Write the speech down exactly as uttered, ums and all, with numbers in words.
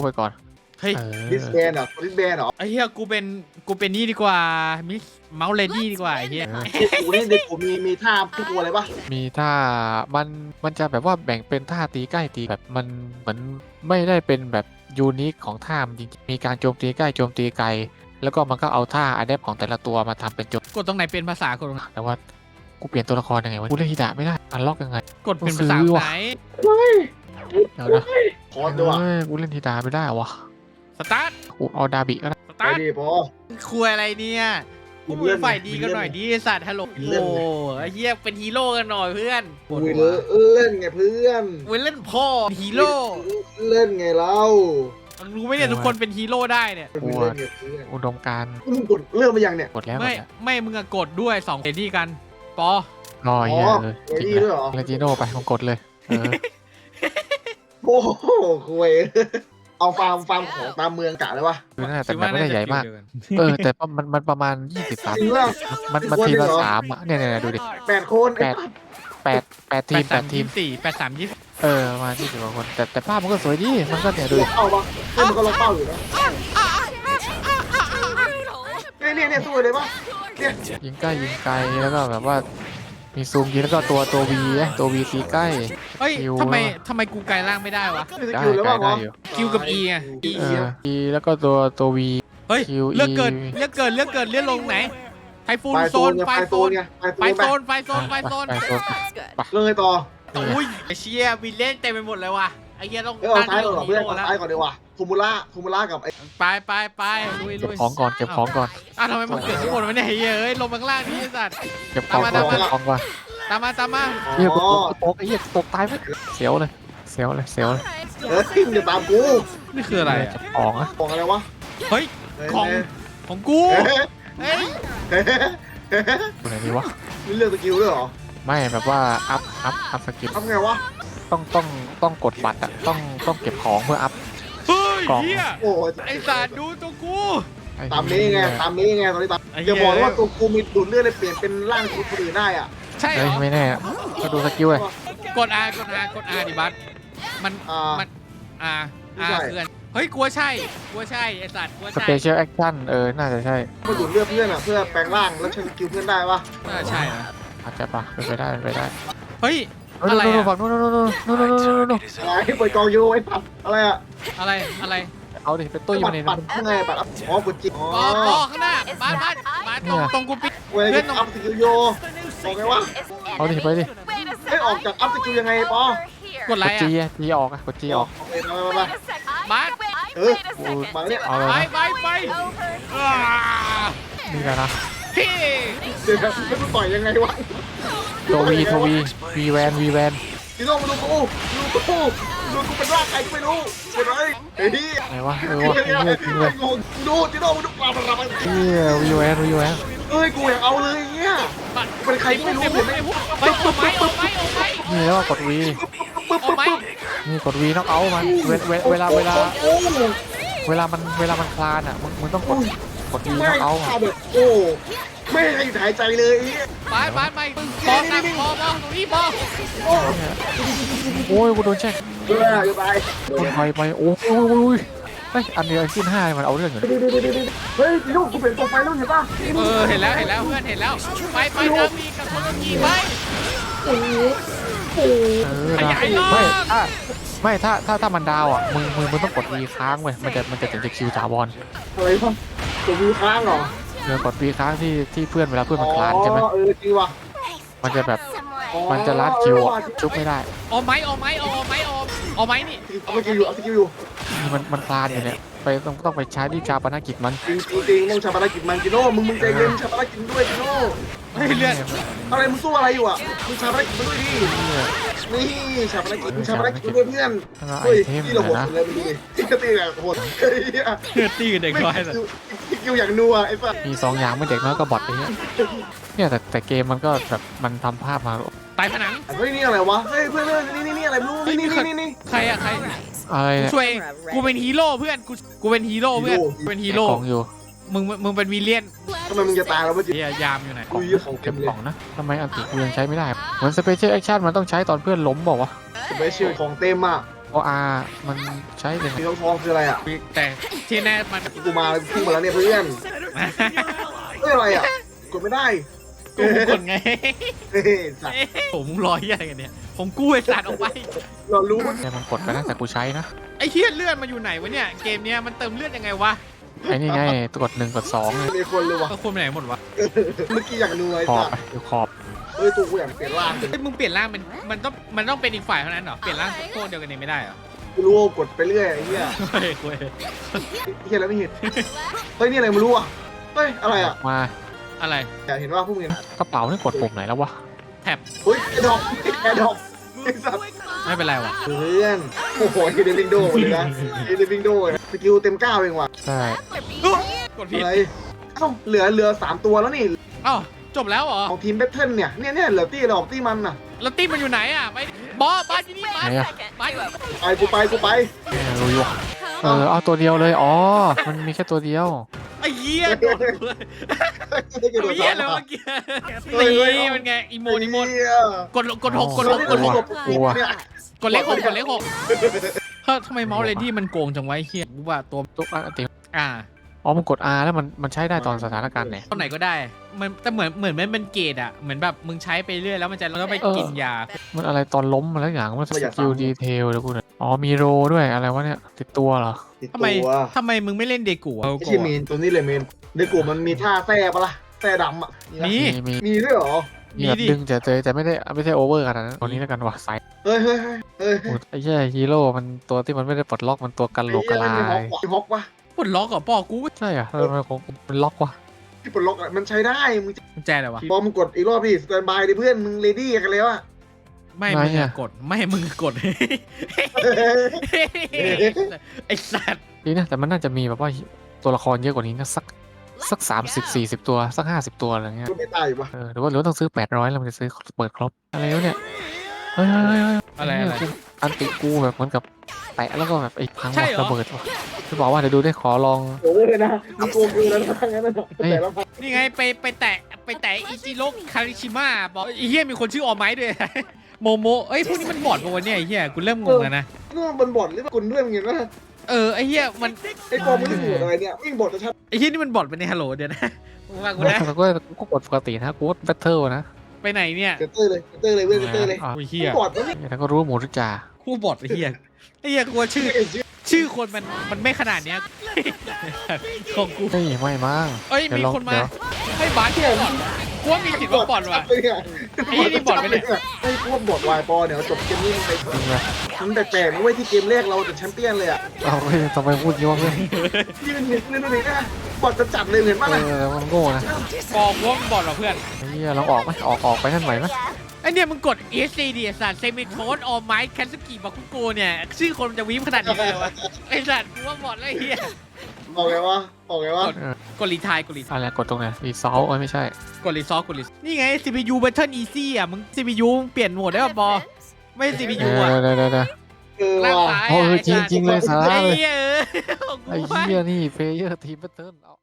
ไปก่อนเฮ้ยดิสแบนเหรอดิสแบนเหรอไอ้เหี้ยกูเป็นกูเป็นนี่ดีกว่ามิสเมาส์เลดี้ดีกว่าไอ้เหี้ยกูนี่เด็กกูมีมีท่าทุกตัวเลยปะมีท่ามันมันจะแบบว่าแบ่งเป็นท่าตีใกล้ตีแบบมันเหมือนไม่ได้เป็นแบบยูนิคของท่าจริงมีการโจมตีใกล้โจมตีไกลแล้วก็มันก็เอาท่าอะแดปของแต่ละตัวมาทำเป็นโจมกดตรงไหนเป็นภาษากดตรงไหนแต่ว่ากูเปลี่ยนตัวละครยังไงวะกูเล่นฮิดะไม่ได้อันล็อกยังไงกดเป็นภาษาไหนเดี๋ยวนะคอร์ดด้วยเฮ้ยกูเล่นฮิดะไม่ได้วะสตาร์ทกูเอาดาบิก็ได้สไปตาร์ทดิพอคุยอะไรเนี่ยพวกมึงฝ่ายดีกันหน่อยดิสัตว์ฮัลโหลโอ้ไอ้เหี้ยเป็นฮีโร่กันหน่อยเพื่อนคุยเล่นไงเพื่อนเว้ยเล่นพ่อฮีโร่เล่นไงเรารู้ไหมเนี่ยทุกคนเป็นฮีโร่ได้เนี่ยเล่นไงเพื่อนอุดมการณ์มึงกดเริ่มมายังเนี่ยกดแล้วกไม่ดแล้วไม่มึงอะกดด้วยสองเอดี้กันปอรออ๋เหี้อยเลยเวจริงดี้เลด้วยยเหรอเลจิโน่ไปมึงกดเลยเออโอ้โหคุยเอาฟาร์มฟาร์มของตามเมืองกะเลยวะคือน่าแต่มันไม่ได้ใหญ่มากเออแต่มันมันประมาณยี่สิบสามจริงแล้วมันมันทีละสามอ่ะเนี่ยเนี่ยดูดิแปดคนแปดแปดแปดทีมแปดทีมสี่แปดสามยี่เออประมาณยี่สิบกว่าคนแต่แต่ภาพมันก็สวยดีมันก็เนี่ยดูดิเอาปะเฮ้ยมันก็ล็อกเป้าอยู่นะเนี่ยเนี่ยเนี่ยสวยเลยปะเนี่ยยิงใกล้ยิงไกลแล้วก็แบบว่ามีซูมยิงแล้วก็ตัวตัววีตัววีตีใกล้เฮ้ยคิวทำไมทำไมกูไกลล่างไม่ได้วะสได้กิลแล้วไกลปะได้วะอยู่คิวกับ E ไง E เอออีแล้วก็ตัวตัววีเฮ้ยคิวเลือก E เกิดเลือกเกิดเลือกเกิดเลือกลงไหนไฟฟูนไฟโซโซนนไฟไฟโซโซนนไงไฟไฟโซโซนนไฟโซนไฟโซนไปโซนเรื่องไงต่ออุ้ยไอเชียวิลเล่นเต็มไปหมดเลยว่ะไอเฮียต้องเออเอาซ้ายก่อนฮีเพื่อนโร่เอาแล้วซ้ายก่อนดีกว่าฟูมูล่าฟูมูล่ากับไอ้ไปไปไปลุยเก็ลุบยของก่อนเก็บของก่อนอ้าวทำไมมันเกิดข้างบนวะเนี่ยไอ้เฮียเอ้ยลงมาข้างล่างนี่ไอ้สัตว์เก็บของก่อนตามมาเก็บของก่อนตามมาตามมาเฮียกูตกกูตกไอ้เหี้ยตกตายไปเสียวเลยเสียวเลยเสียวเลยเออมึงจะตามกูนี่คืออะไรเก็บของอะของอะไรวะเฮ้ยของของกูเฮ้ยเฮ้ยเฮ้ยอยู่ไหนดีวะมีเรื่องสกิลด้วยเหรอไม่แบบว่าอัพอัพอัพสกิลทำไงวะต้องต้องต้องกดบัตรอะต้องต้องเก็บของเพื่ออัพเฮ้ยกล่องเฮียโอ้ยไอสัตว์ดูตัวกูตามนี้ไงตามนี้ไงตอนนี้ตามอย่าบอกว่าตัวกูมีดูดเลือดเลยเปลี่ยนเป็นร่างคนอื่นได้อ่ะใช่เหรเฮ้ยอไม่แน่ก็ดูสกิลเลยกด R กด R กด R ดิบัสมันอ่ามัน R ไม่ R ใช่คือเฮ้ยกลัวใช่กลัวใช่ไอสัตว์กลัวสใช่เปเชียลแอคชั่นเออน่าจะใช่มาดูดเลือดเพื่อนอ่ะเพื่อแปลงร่างแล้วใช้สกิลเพื่อนได้ปะน่าใช่นะอาจจะปะเป็นไปได้เป็นไปได้เฮ้ยนู่นอะไรนู่นอะฝั่งนู่นนู่นนู่นนู่นนู่นนู่นนู่นอะไรเปิดกองยูไอ้ปัดอะไรอ่ะอะไรอะไรเอาดิเป็นตู้อยู่ปัดในปัดทำไงปัดอ๋อกดจิอ๋อปอปอข้างหน้าบ้านบ้านบ้านตรงตรงกูปิดเว้ยอัพสกิลโยบอกไงวะเอาดิไปดิไม่ออกจากอัพสกิลยังไงปอกดอะไรกดจีอ่ะอะจีออกอะกดจีออกโอเคมามามาบ้านเออมาเนี่ยเอาเลยไปนะไปไปอ่านี่แหละนะพี่เดี๋ยวไม่รู้ต่อยยังไงวะตัววีตัววีวีแวนวีแวนจีโน่มาดูกูดูกูดูกูเป็นร่างใครก็ไม่รู้กดเลยเฮ้ยไหนวะเออวะเฮียจริงเลยงงดูจีโน่มาดูปลาปลาปลาเฮียวีแวนวีแวนเอ้ยกูอยากเอาเลยเงี้ยเป็นใครก็ไม่รู้ไอ้พวกไอ้พวกไปเอาไม้เอาไม้เอาไม้นี่แล้วก็กดวีเอาไม้นี่กดวีต้องเอามันเวเวเวลาเวลาโอ้เวลามันเวลามันคลานอ่ะมึงมึงต้องกดกดวีไม่ต้องเอาเอาแบบโอ้ไม่ให้หายใจเลยบ้านบ้านไปปอหนักปอปอตรงนี้ปอโอ้ยกูโดนแช่งเอออย่าไปโดนไฟไปโอ้ยเฮ้ยอันเดียวขึ้นห้ามันเอาเรื่องอยู่เฮ้ยจีโน่กูเปลี่ยนตัวไฟแล้วเห็นป่ะเออเห็นแล้วเห็นแล้วเพื่อนเห็นแล้วไปไปเดิมมีกับคนกี่ไปโอ้โหเออนะไม่ถ้าไม่ถ้าถ้าถ้ามันดาวอ่ะมึงมึงมึงต้องกดวีค้างเว้ยมันจะมันจะถึงจะคิวถาวรอะไรป่ะตัวมีค้างเหรอเออกดวีค้างที่ที่เพื่อนเวลาเพื่อนมันคลานใช่ไหมเออจริงว่ะมันจะแบบมันจะลัดคิวอ่ะชุบไม่ได้เอาไม้เอาไม้เอาไม้เอาเอาไม้นี่เอาสกิลอยู่เอาสกิลอยู่นี่มันมันคลานอยู่เนี่ยไปต้องต้องไปใช้ที่ชาปนกิจมันจริงจริงต้องชาปนกิจมันจีโน่มึงมึงใจเย็นชาปนกิจด้วยจีโน่เฮ้ยเลือดอะไรมึงสู้อะไรอยู่อ่ะมึงชาปนกิจมันด้วยดินี่ชาปนกิจมึงชาปนกิจมันด้วยเพื่อนเฮ้ยที่เราโหดเลยมึงดูดิที่กระตีแบบโหดเฮ้ยเลือดตีเด็กน้อยเลยสกิลอย่างนัวไอ้สัสมีสองอย่างไม่เด็กน้อยก็บอทไปเนี่ยเนี่ยแต่แต่เกมมันก็แบบมันทำภาพมาตายผนังเฮ้ยนี่อะไรวะเฮ้ยเพื่อนเพื่อนนี่นี่นี่อะไรไม่รู้นี่นี่นี่นี่ใครอะใครอะไรกูเนี่ยช่วยกูเป็นฮีโร่เพื่อนกูกูเป็นฮีโร่เพื่อนกูเป็นฮีโร่ของอยู่มึงมึงเป็นวิลเลียนทำไมมึงจะตายแล้ววะจีเฮียยามอยู่ไหนอุ้ยเก็บของนะทำไมอันติกูยังใช้ไม่ได้เหมือนสเปเชียลแอคชั่นมันต้องใช้ตอนเพื่อนล้มบอกว่าวะสเปเชียลของเต็มอ่ะโออาร์มันใช้ยังไงสีทองทองคืออะไรอ่ะแต่ที่แน่มันกูมาพุ่งมาแล้วเนี่ยเพื่อนเฮ้ยอะไรอ่ะกดไม่ได้กูกดไงเฮ้ยสัตว์ผมมึงรอเหี้ยอะไรกันเนี่ยผมกู้ไอ้สัตว์ออกไปเรารู้เนี่ยมันกดไปตั้งแต่กูใช้นะไอ้เหี้ยเลือดมาอยู่ไหนวะเนี่ยเกมเนี้ยมันเติมเลือดยังไงวะไอ้นี่ไงกดหนึ่งกดสองเลยมีคนเลยว่ะก็ควรไปไหนหมดวะเมื่อกี้อยากดูไอ้ขอบสัตว์ไปเดี๋ยวขอบเฮ้ยตัวกูอยากเปลี่ยนร่างเลยเฮ้ยมึงเปลี่ยนร่างมันมันต้องมันต้องเป็นอีกฝ่ายเท่านั้นเหรอเปลี่ยนร่างโคตรเดียวกันเองไม่ได้เหรอกูรู้ว่ากดไปเรื่อยไอ้เหี้ยเฮ้ยเว้ยเหี้ยแล้วไม่เห็นเฮ้ยนี่อะไรไม่รู้อ่ะเฮ้ยอะไรอ่ะมาอะไรอยากเห็นว่าพวกมึงกระเป๋านี่กดปุ่มไหนแล้ววะแท็บเฮ้ยแอร์ดรอปแอร์ดรอปไอ้สัตว์ไม่เป็นไรวะเพื่อนโอ้โหเดวิงโดเลยนะเดวิงโดสกิลเต็มเก้าเองว่ะใช่กดผิดอะไรเอ้าเหลือเหลือสามตัวแล้วนี่อ้าวจบแล้วเหรอของทีมแบทเทิลเนี่ยเนี่ยเนี่ยเหลือตี้เราออกตี้มันน่ะแล้วตี้มันอยู่ไหนอ่ะไปบอสบาสอยู่นี่บาสบาสอยู่ไปกูไปกูไปเนี่ยรู้อยู่เออเอาตัวเดียวเลยอ๋อมันมีแค่ตัวเดียวไอ้เหี้ยโดนเลยไอ้เหี้ยเลยเมื่อกี้ตีมันไงอีโมนอีโมนกดกดหกกดหกกดหกกลัวกดเลขหกกดเลขหกเฮ้ยทำไมเมาส์เลดี้มันโกงจังวะไอ้เหี้ยรู้ว่าตัวตุ๊กอันติอ่าอ๋อมันกด R แล้วมันมันใช้ได้ตอนสถานการณ์ไหนตอนไหนก็ได้ มันแต่เหมือนเหมือนมันเป็นเกรดอะเหมือนแบบมึงใช้ไปเรื่อยแล้วมันจะแล้วไปกินยามันอะไรตอนล้มมาแล้วอย่างมันสกิลดีเทลแล้วกูเนี่ยอ๋อมีโรด้วยอะไรวะเนี่ยติดตัวเหรอติดทำไมตัวทำไมมึงไม่เล่นเดกูอะไม่ใช่เมนตัวนี้เลยเมนในกลุ่มมันมีท่าแท้ปะล่ะแท้ดำอ่ะมีมีมีมีด้วยเหรอมีแบบดึงแต่แต่ไม่ได้ไม่ใช่โอเวอร์ขนาดนั้นตัวนี้แล้วกันว่ะไซส์เฮ้ยเฮ้ยเฮ้ยเฮ้ยโอ้ยไอ้แย่ฮีโร่มันตัวที่มันไม่ได้ปลดล็อกมันตัวกันโหลกกะลาไอ้ยเหี้ยมันมีฮอกว่ะปลดล็อกเหรอปอกูใช่อะทำไมของมันล็อกวะที่ปลดล็อกอะมันใช้ได้มึงกุญแจอะไรวะพอมึงกดอีกรอบดิสแตนบายดิเพื่อนมึงเรดี้กันแล้วอ่ะไม่มึงอะกดไม่มึงกดไอ้สัตว์นี่นะแต่มันน่าจะมีแบบว่าตัวละครเยอะกว่านี้นะสักสักสามสิบสี่สิบตัวสักห้าสิบตัวอะไรเงี้ยก็ไม่ตายอยู่ปะเออหรือว่าหรือว่าต้องซื้อแปดร้อยแล้วมันจะซื้อเปิดครบอะไรวะเนี่ยเฮ้ยเฮ้ยเฮ้ยเฮ้ยอะไรอะไรอันติกูแบบเหมือนกับแตะแล้วก็แบบไอ้พังว่ะระเบิดว่ะจะบอกว่าเดี๋ยวดูได้ขอลองโอ้ยนะมึงโกงกูแล้วนะงั้นนะแต่ละพันนี่ไงไปไปแตะไปแตะอิจิโร่คาริชิมะบอกไอ้เหี้ยมีคนชื่อออไม้ด้วยโมโมเอ้ยพวกนี้มันบอดปะวะเนี่ยไอ้เหี้ยกูเริ่มงงแล้วนะนี่มันบนบอดหรือว่ากุนด้วยมึงเห็นปะเออไอ้เหี้ยมันไอ้กองมึงหัวอะไรเนี่ยวิ่งบอดจะชัดไอ้เหี้ยนี่มันบอดไปในฮัลโหลเดี๋ยวนะมึงว่ากูนะแล้วก็ก็กดปกตินะกูว่าแบทเทิลนะไปไหนเนี่ยเตอร์เลยเตอร์เลยเว้ยเตอร์เลยอ่ะโอ้ยเหี้ยบอดมันไม่แล้วก็รู้หมูรุจ่าคู่บอดไอ้เหี้ยไอ้เหี้ยกูว่าชื่อเห็นชื่อชื่อคนมันมันไม่ขนาดเนี้ยของกูเฮ้ยไม่มั้งเอ้ยเดี๋ยวมีลองคนมาเดี๋ยวให้บาสที่บอดกูว่ามีสิทธิ์ว่าบอดว่ะ ไอ้นี่บอดไปเนี่ยไอ้พวกบอดวายปอเนี่ยจบเกมนี้มันไปจริงเลยมันแปลกๆนะเว้ยที่เกมแรกเราจะแชมเปี้ยนเลยอ่ะเอาเฮ้ยทำไมพูดเยอะเลยยืนเห็นเลยดูดินะบอดจะจัดเลยเห็นเอป่ะนะอมันโง่นะกองกูว่ามันบอดว่ะเพื่อนไอ้เหี้ยลองออกไหมออกออกไปนั่นไหวไหมไอเนี่ยมึงกด เอส ซี ดิสัตว์เซมิโทนออไมค์แคนสกิบาคุโกเนี่ยชื่อคนมันจะวีมขนาดนี้เลยเหรอวะไอสัตว์กูว่าบอดแล้วไอ้เหี้ยบอกไงวะบอกไงวะกดรีไทายกดรีอะไรกดตรงไหนรีซอลเอ้ยไม่ใช่กดรีซอฟกดรีนี่ไง ซี พี ยู Battle Easy อ่ะมึง ซี พี ยู มึงเปลี่ยนโหมดได้ป่ะบอไม่ ซี พีเอยูออ่ะเดี๋ยวเดี๋ยวเดี๋ยวเออล่างว่ะซ้ายโอ้อ่ะยจริงจริงเลยสาระไอ้เลยเหี้ยเออของกูไอ้วะเหี้ยนี่เพลเยอร์ทีมแบทเทิลเอา